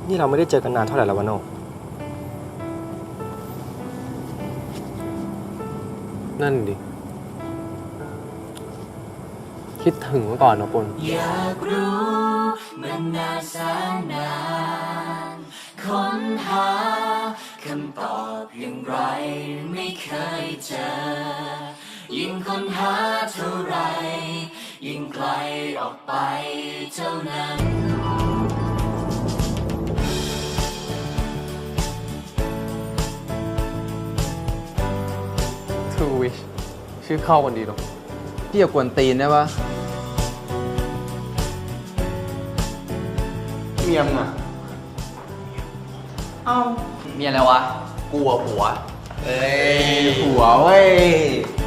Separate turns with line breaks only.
นี่เราไม่ได้เจอกันนานเท่าไหร่แล้ววะโนนั่นดิคิดถึงเมื่อก่อนนะปุณ
อยากรู้มันนานแสนนานค้นหาคำตอบอย่างไรไม่เคยเจอยิ่งค้นหาเท่าไรยิ่งไกลออกไปเท่านั้น
Two Wish ชื่อเข้ากันดีเนาะ
พี่อย่ากวนตีนได้ปะ
เมียมอ่ะ
มีอะไรวะ
กลัวผัว
เอ้ยหัวเว้ย